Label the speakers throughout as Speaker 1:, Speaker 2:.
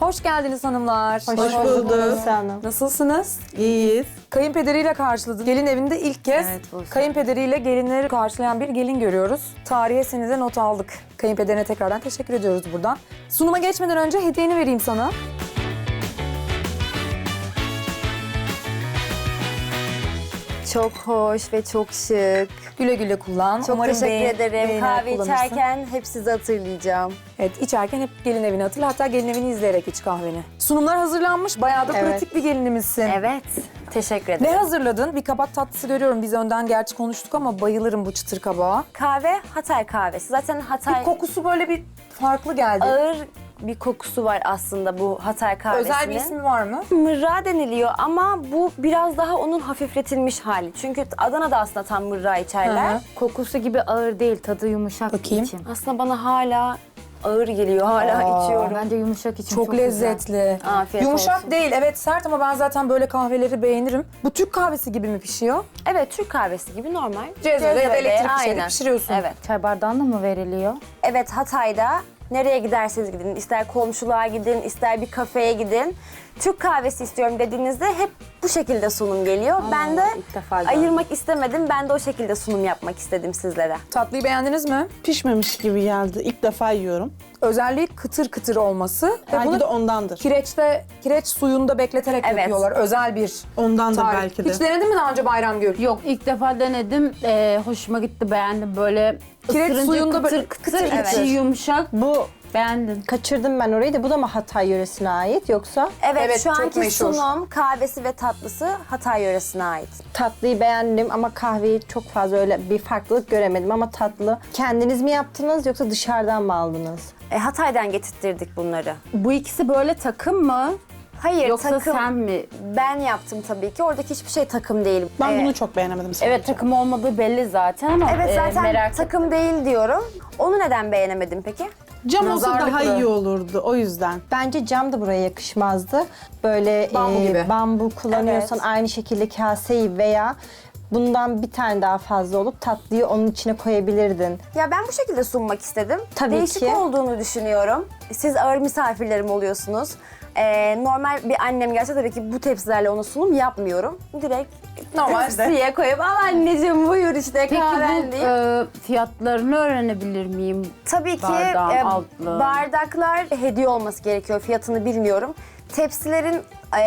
Speaker 1: Hoş geldiniz hanımlar.
Speaker 2: Hoş bulduk.
Speaker 1: Nasılsınız?
Speaker 2: İyiyiz.
Speaker 1: Kayınpederiyle karşıladı. Gelin evinde ilk kez kayınpederiyle gelinleri karşılayan bir gelin görüyoruz. Tarihe seni de not aldık. Kayınpederine tekrardan teşekkür ediyoruz buradan. Sunuma geçmeden önce hediyeni vereyim sana.
Speaker 3: Çok hoş ve çok şık.
Speaker 1: Güle güle kullan.
Speaker 3: Çok
Speaker 1: Umarım
Speaker 3: teşekkür ederim.
Speaker 1: beğenerek
Speaker 3: Kahve
Speaker 1: kullanırsın.
Speaker 3: içerken hep sizi hatırlayacağım.
Speaker 1: Evet, içerken hep gelin evini hatırla. Hatta gelin evini izleyerek iç kahveni. Sunumlar hazırlanmış. Bayağı da
Speaker 3: Evet.
Speaker 1: pratik bir gelinimizsin.
Speaker 3: Evet. Teşekkür
Speaker 1: Ne
Speaker 3: ederim.
Speaker 1: hazırladın? Bir kabak tatlısı görüyorum. Biz önden gerçi konuştuk ama bayılırım bu çıtır kabağa.
Speaker 3: Kahve Hatay kahvesi. Zaten Hatay
Speaker 1: Bir kokusu böyle bir farklı geldi.
Speaker 3: ağır bir kokusu var aslında bu Hatay kahvesinin.
Speaker 1: Özel bir ismi var mı?
Speaker 3: Mırra deniliyor ama bu biraz daha onun hafifletilmiş hali. Çünkü Adana'da aslında tam mırra içerler.
Speaker 1: Hı hı.
Speaker 4: Kokusu gibi ağır değil, tadı yumuşak
Speaker 1: Bakayım.
Speaker 4: için.
Speaker 3: Aslında bana hala ağır geliyor. Hala içiyorum.
Speaker 4: Bence yumuşak için
Speaker 1: Çok
Speaker 4: çok güzel.
Speaker 1: lezzetli.
Speaker 3: Afiyet
Speaker 1: Yumuşak
Speaker 3: olsun.
Speaker 1: değil, evet sert ama ben zaten böyle kahveleri beğenirim. Bu Türk kahvesi gibi mi pişiyor?
Speaker 3: Evet, Türk kahvesi gibi normal.
Speaker 1: Cezvede ya da elektrik bir şeyde
Speaker 3: aynen.
Speaker 1: pişiriyorsun.
Speaker 3: Evet.
Speaker 4: Çay bardağında mı veriliyor?
Speaker 3: Evet, Hatay'da nereye giderseniz gidin, ister komşuluğa gidin, ister bir kafeye gidin. Türk kahvesi istiyorum dediğinizde hep bu şekilde sunum geliyor. Ben de
Speaker 4: ilk defa gördüm.
Speaker 3: ayırmak istemedim. Ben de o şekilde sunum yapmak istedim sizlere.
Speaker 1: Tatlıyı beğendiniz mi?
Speaker 2: Pişmemiş gibi geldi. İlk defa yiyorum.
Speaker 1: Özelliği kıtır kıtır olması. Ve
Speaker 2: Belki
Speaker 1: bunu
Speaker 2: de ondandır.
Speaker 1: kireç suyunda bekleterek
Speaker 3: Evet.
Speaker 1: yapıyorlar. Özel bir
Speaker 2: Ondandır
Speaker 1: tarif.
Speaker 2: belki de.
Speaker 1: Hiç denedin mi daha önce Bayramgül?
Speaker 4: Yok, ilk defa denedim. Hoşuma gitti, beğendim. Böyle
Speaker 1: Kireç
Speaker 4: ısırınca
Speaker 1: suyunda
Speaker 4: kıtır
Speaker 1: böyle
Speaker 4: kıtır,
Speaker 1: kıtır
Speaker 4: içi
Speaker 3: kıtır.
Speaker 4: yumuşak.
Speaker 5: Bu
Speaker 4: Beğendim.
Speaker 5: kaçırdım ben orayı da bu da mı Hatay yöresine ait yoksa
Speaker 3: Evet, şu
Speaker 1: çok
Speaker 3: anki
Speaker 1: meşhur.
Speaker 3: sunum kahvesi ve tatlısı Hatay yöresine ait.
Speaker 5: tatlıyı beğendim ama kahveyi çok fazla öyle bir farklılık göremedim ama tatlı. Kendiniz mi yaptınız yoksa dışarıdan mı aldınız?
Speaker 3: Hatay'dan getirttirdik bunları.
Speaker 4: Bu ikisi böyle takım mı?
Speaker 3: Hayır,
Speaker 4: Yoksa
Speaker 3: takım.
Speaker 4: sen mi?
Speaker 3: Ben yaptım tabii ki. Oradaki hiçbir şey takım değil.
Speaker 2: Ben bunu çok beğenemedim sadece.
Speaker 4: Evet, takım olmadığı belli zaten ama
Speaker 3: Evet, zaten
Speaker 4: merak
Speaker 3: takım değil diyorum. Onu neden beğenemedin peki?
Speaker 2: Cam olsa daha
Speaker 1: Nazarlıklı.
Speaker 2: iyi olurdu o yüzden.
Speaker 5: Bence cam da buraya yakışmazdı. Böyle
Speaker 1: Bambu gibi.
Speaker 5: bambu kullanıyorsan
Speaker 3: Evet.
Speaker 5: aynı şekilde kaseyi veya bundan bir tane daha fazla olup tatlıyı onun içine koyabilirdin.
Speaker 3: Ya ben bu şekilde sunmak istedim.
Speaker 5: Tabii
Speaker 3: Değişik
Speaker 5: ki.
Speaker 3: olduğunu düşünüyorum. Siz ağır misafirlerim oluyorsunuz. Normal bir annem gelse tabii ki bu tepsilerle ona sunum yapmıyorum. Direkt
Speaker 1: Normalde.
Speaker 3: tepsiye koyup al anneciğim buyur işte
Speaker 4: Peki
Speaker 3: kahven
Speaker 4: bu
Speaker 3: deyip.
Speaker 4: fiyatlarını öğrenebilir miyim?
Speaker 3: Tabii ki
Speaker 4: bardağın altlığı.
Speaker 3: bardaklar hediye olması gerekiyor. Fiyatını bilmiyorum. Tepsilerin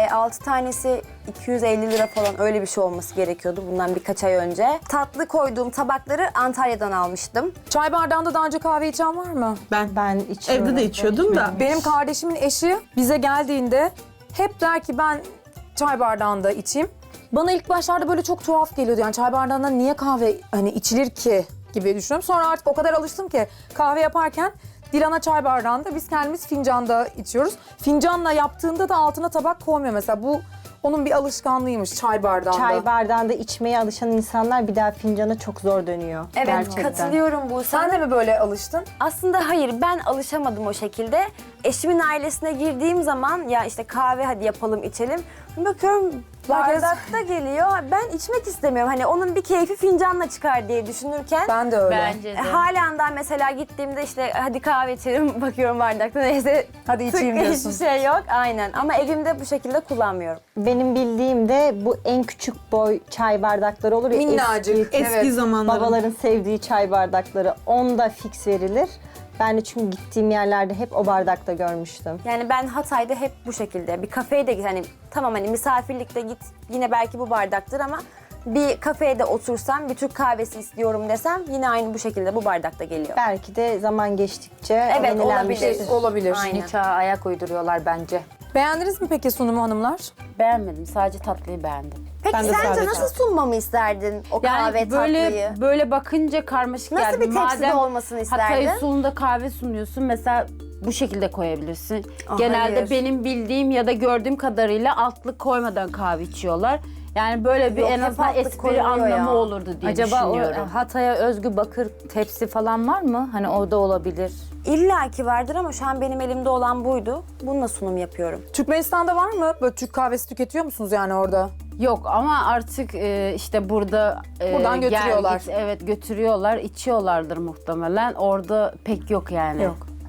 Speaker 3: 6 tanesi 250 lira falan öyle bir şey olması gerekiyordu bundan birkaç ay önce. Tatlı koyduğum tabakları Antalya'dan almıştım.
Speaker 1: Çay bardağında daha önce kahve içen var mı?
Speaker 5: Ben içiyorum.
Speaker 2: Evde de içiyordum da.
Speaker 1: Benim kardeşimin eşi bize geldiğinde hep der ki ben çay bardağında içeyim. Bana ilk başlarda böyle çok tuhaf geliyordu. Yani çay bardağında niye kahve hani içilir ki gibi düşünüyorum. Sonra artık o kadar alıştım ki kahve yaparken Dilan'a çay bardağında biz kendimiz fincanda içiyoruz. Fincanla yaptığında da altına tabak koymuyor mesela. Bu onun bir alışkanlığıymış çay bardağında.
Speaker 5: Çay bardağında içmeye alışan insanlar bir daha fincana çok zor dönüyor.
Speaker 3: Evet,
Speaker 5: Gerçekten.
Speaker 3: katılıyorum bu.
Speaker 1: Sen de mi böyle alıştın?
Speaker 3: Aslında hayır, ben alışamadım o şekilde. Eşimin ailesine girdiğim zaman ya işte kahve hadi yapalım içelim. Bakıyorum bardakta geliyor. Ben içmek istemiyorum. Hani onun bir keyfi fincanla çıkar diye düşünürken.
Speaker 1: Ben de öyle.
Speaker 4: Bence de.
Speaker 3: Halen daha mesela gittiğimde işte hadi kahve içelim bakıyorum bardakta neyse.
Speaker 1: Hadi içeyim
Speaker 3: tık,
Speaker 1: diyorsun.
Speaker 3: Hiçbir şey yok aynen ama evimde bu şekilde kullanmıyorum.
Speaker 5: Benim bildiğim de bu en küçük boy çay bardakları olur ya.
Speaker 1: Minnacık.
Speaker 5: Eski,
Speaker 2: Eski zamanların.
Speaker 5: babaların sevdiği çay bardakları. Onda fix verilir. Ben de çünkü gittiğim yerlerde hep o bardakta görmüştüm.
Speaker 3: Yani ben Hatay'da hep bu şekilde bir kafeye de git hani tamam hani misafirlikte git yine belki bu bardaktır ama bir kafeye de otursam bir Türk kahvesi istiyorum desem yine aynı bu şekilde bu bardakta geliyor.
Speaker 5: Belki de zaman geçtikçe
Speaker 3: Evet,
Speaker 5: yenilenmiştir.
Speaker 3: olabilir.
Speaker 1: Olabilir.
Speaker 3: Aynen.
Speaker 4: Çağa ayak uyduruyorlar bence.
Speaker 1: Beğendiniz mi peki sunumu hanımlar?
Speaker 4: Beğenmedim, sadece tatlıyı beğendim.
Speaker 3: Peki
Speaker 2: Ben de
Speaker 3: sence
Speaker 2: sadece.
Speaker 3: nasıl sunmamı isterdin o
Speaker 4: Yani
Speaker 3: kahve
Speaker 4: böyle
Speaker 3: tatlıyı?
Speaker 4: böyle bakınca karmaşık
Speaker 3: Nasıl
Speaker 4: geldi.
Speaker 3: bir tepside
Speaker 4: Madem
Speaker 3: olmasını isterdin?
Speaker 4: Hatay usulünde kahve sunuyorsun mesela bu şekilde koyabilirsin. Genelde
Speaker 3: hayır.
Speaker 4: benim bildiğim ya da gördüğüm kadarıyla altlık koymadan kahve içiyorlar. Yani böyle bir
Speaker 3: Yok,
Speaker 4: en
Speaker 3: hep
Speaker 4: azından
Speaker 3: altlık
Speaker 4: espri
Speaker 3: koyuluyor
Speaker 4: anlamı
Speaker 3: ya.
Speaker 4: olurdu diye
Speaker 6: Acaba o
Speaker 4: düşünüyorum.
Speaker 6: Hatay'a özgü bakır tepsi falan var mı? Hani orada olabilir.
Speaker 3: İlla ki vardır ama şu an benim elimde olan buydu. Bununla sunum yapıyorum.
Speaker 1: Türkmenistan'da var mı? Böyle Türk kahvesi tüketiyor musunuz yani orada?
Speaker 4: Yok ama artık işte burada
Speaker 1: Buradan götürüyorlar.
Speaker 4: evet götürüyorlar, içiyorlardır muhtemelen. Orada pek yok yani.
Speaker 1: Yok.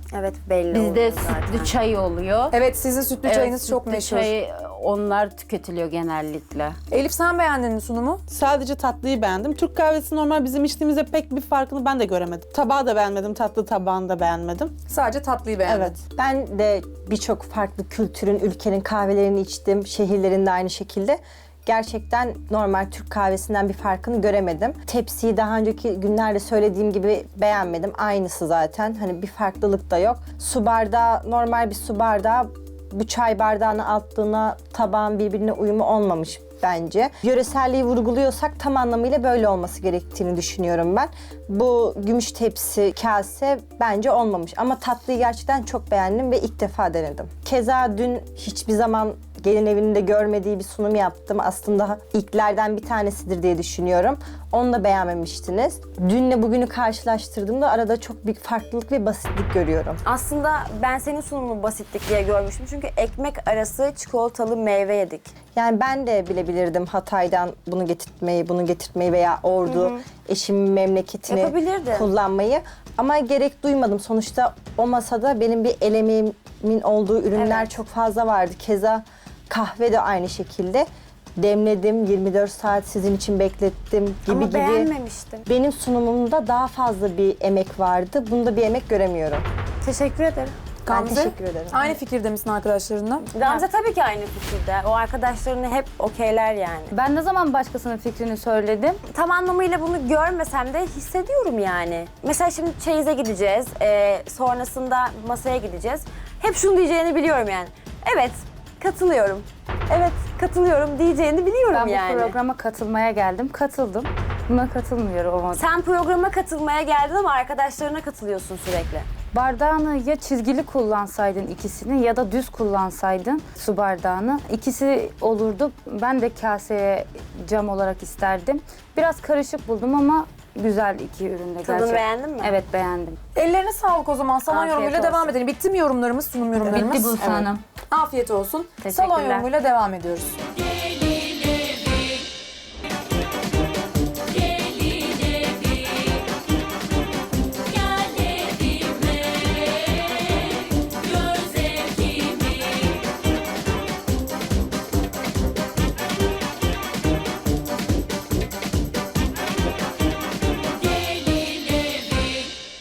Speaker 3: Evet belli
Speaker 4: Bizde
Speaker 3: oluyor zaten.
Speaker 4: sütlü çay oluyor.
Speaker 1: Evet, sizin sütlü çayınız çok
Speaker 4: sütlü
Speaker 1: meşhur.
Speaker 4: çay, onlar tüketiliyor genellikle.
Speaker 1: Elif, sen beğendin mi sunumu?
Speaker 2: Sadece tatlıyı beğendim. Türk kahvesi normal bizim içtiğimizde pek bir farkını ben de göremedim. Tabağı da beğenmedim, tatlı tabağını da beğenmedim.
Speaker 1: Sadece tatlıyı beğendin.
Speaker 2: Evet.
Speaker 5: Ben de birçok farklı kültürün, ülkenin kahvelerini içtim. Şehirlerinde aynı şekilde. Gerçekten normal Türk kahvesinden bir farkını göremedim. Tepsiyi daha önceki günlerde söylediğim gibi beğenmedim. Aynısı zaten. Hani bir farklılık da yok. Su bardağı, normal bir su bardağı, bu çay bardağına attığına tabağın birbirine uyumu olmamış bence. Yöreselliği vurguluyorsak tam anlamıyla böyle olması gerektiğini düşünüyorum ben. Bu gümüş tepsi, kase bence olmamış ama tatlıyı gerçekten çok beğendim ve ilk defa denedim. Keza dün hiçbir zaman gelin evinde görmediği bir sunum yaptım. Aslında ilklerden bir tanesidir diye düşünüyorum. Onu da beğenmemiştiniz. Dünle bugünü karşılaştırdığımda arada çok büyük farklılık ve basitlik görüyorum.
Speaker 3: Aslında ben senin sunumunu basitlik diye görmüştüm. Çünkü ekmek arası çikolatalı meyve yedik.
Speaker 5: Yani ben de bilebilirdim Hatay'dan bunu getirtmeyi veya Ordu, eşimin memleketini
Speaker 3: Yapabilirdin.
Speaker 5: kullanmayı. Ama gerek duymadım. Sonuçta o masada benim bir el emeğimin olduğu ürünler
Speaker 3: Evet.
Speaker 5: çok fazla vardı. Keza kahve de aynı şekilde. Demledim, 24 saat sizin için beklettim gibi
Speaker 3: Ama beğenmemiştim.
Speaker 5: Benim sunumumda daha fazla bir emek vardı. Bunda bir emek göremiyorum.
Speaker 3: Teşekkür ederim.
Speaker 1: Gamze,
Speaker 5: teşekkür ederim.
Speaker 1: aynı fikirde misin arkadaşlarınla?
Speaker 3: Gamze tabii ki aynı fikirde. O arkadaşlarını hep okeyler yani.
Speaker 6: Ben ne zaman başkasının fikrini söyledim?
Speaker 3: Tam anlamıyla bunu görmesem de hissediyorum yani. Mesela şimdi çeyize gideceğiz, sonrasında masaya gideceğiz. Hep şunu diyeceğini biliyorum yani. Evet, katılıyorum. Evet, katılıyorum diyeceğini biliyorum
Speaker 6: Ben
Speaker 3: yani.
Speaker 6: bu programa katılmaya geldim. Katıldım. Buna katılmıyorum ama.
Speaker 3: Sen programa katılmaya geldin ama arkadaşlarına katılıyorsun sürekli.
Speaker 6: Bardağını ya çizgili kullansaydın ikisini ya da düz kullansaydın su bardağını. İkisi olurdu. Ben de kaseye cam olarak isterdim. Biraz karışık buldum ama güzel iki ürün de
Speaker 3: Tadını beğendin mi?
Speaker 6: Evet, beğendim.
Speaker 1: Ellerine sağlık o zaman. Salon
Speaker 6: Afiyet
Speaker 1: yorumuyla
Speaker 6: olsun.
Speaker 1: devam edelim. Bitti mi yorumlarımız, sunum yorumlarımız?
Speaker 6: Bitti Buse Hanım.
Speaker 1: Afiyet olsun. Salon
Speaker 6: Teşekkürler.
Speaker 1: yorumuyla devam ediyoruz.